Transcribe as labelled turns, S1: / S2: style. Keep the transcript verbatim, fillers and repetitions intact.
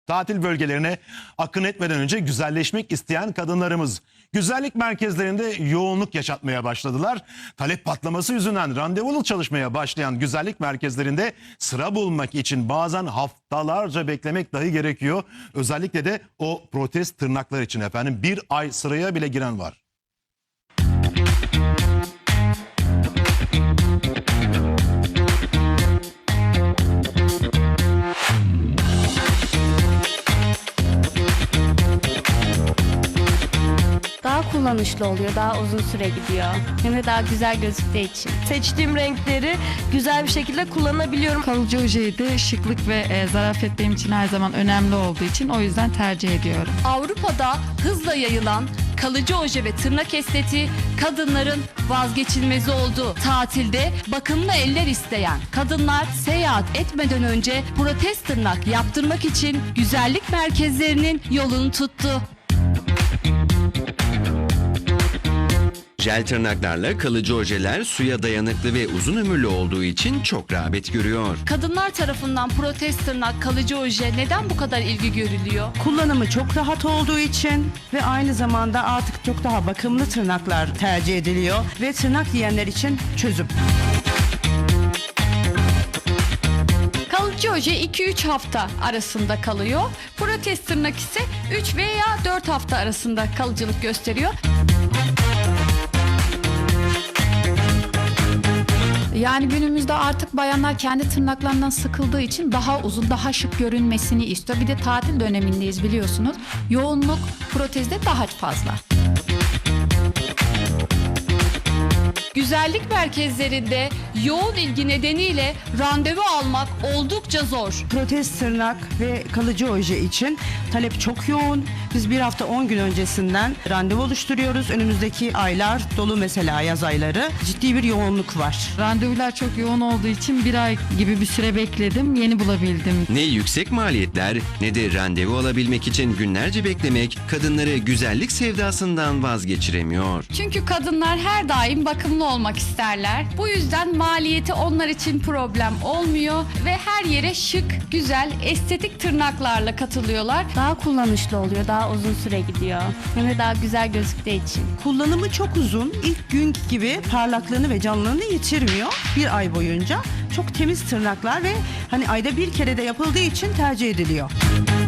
S1: Tatil bölgelerine akın etmeden önce güzelleşmek isteyen kadınlarımız güzellik merkezlerinde yoğunluk yaşatmaya başladılar. Talep patlaması yüzünden randevulu çalışmaya başlayan güzellik merkezlerinde sıra bulmak için bazen haftalarca beklemek dahi gerekiyor. Özellikle de o protez tırnaklar için efendim bir ay sıraya bile giren var.
S2: Daha kullanışlı oluyor, daha uzun süre gidiyor. Hem de daha güzel gözüktüğü için.
S3: Seçtiğim renkleri güzel bir şekilde kullanabiliyorum.
S4: Kalıcı ojeyi de şıklık ve e, zarafet benim için her zaman önemli olduğu için o yüzden tercih ediyorum.
S5: Avrupa'da hızla yayılan kalıcı oje ve tırnak estetiği kadınların vazgeçilmezi oldu. Tatilde bakımlı eller isteyen kadınlar seyahat etmeden önce protez tırnak yaptırmak için güzellik merkezlerinin yolunu tuttu.
S6: Jel tırnaklarla kalıcı ojeler suya dayanıklı ve uzun ömürlü olduğu için çok rağbet görüyor.
S5: Kadınlar tarafından protez tırnak, kalıcı oje neden bu kadar ilgi görülüyor?
S7: Kullanımı çok rahat olduğu için ve aynı zamanda artık çok daha bakımlı tırnaklar tercih ediliyor ve tırnak yiyenler için çözüm.
S5: Kalıcı oje iki üç hafta arasında kalıyor. Protez tırnak ise üç veya dört hafta arasında kalıcılık gösteriyor.
S8: Yani günümüzde artık bayanlar kendi tırnaklarından sıkıldığı için daha uzun, daha şık görünmesini istiyor. Bir de tatil dönemindeyiz biliyorsunuz. Yoğunluk protezde daha fazla.
S5: Güzellik merkezlerinde yoğun ilgi nedeniyle randevu almak oldukça zor.
S7: Protez tırnak ve kalıcı oje için talep çok yoğun. Biz bir hafta on gün öncesinden randevu oluşturuyoruz. Önümüzdeki aylar dolu, mesela yaz ayları. Ciddi bir yoğunluk var.
S4: Randevular çok yoğun olduğu için bir ay gibi bir süre bekledim, yeni bulabildim.
S6: Ne yüksek maliyetler ne de randevu alabilmek için günlerce beklemek kadınları güzellik sevdasından vazgeçiremiyor.
S5: Çünkü kadınlar her daim bakımlı olmak isterler. Bu yüzden maliyeti onlar için problem olmuyor ve her yere şık, güzel, estetik tırnaklarla katılıyorlar.
S2: Daha kullanışlı oluyor, daha uzun süre gidiyor. Hem de daha güzel gözüktüğü için.
S7: Kullanımı çok uzun. İlk gün gibi parlaklığını ve canlılığını yitirmiyor. Bir ay boyunca çok temiz tırnaklar ve hani ayda bir kere de yapıldığı için tercih ediliyor.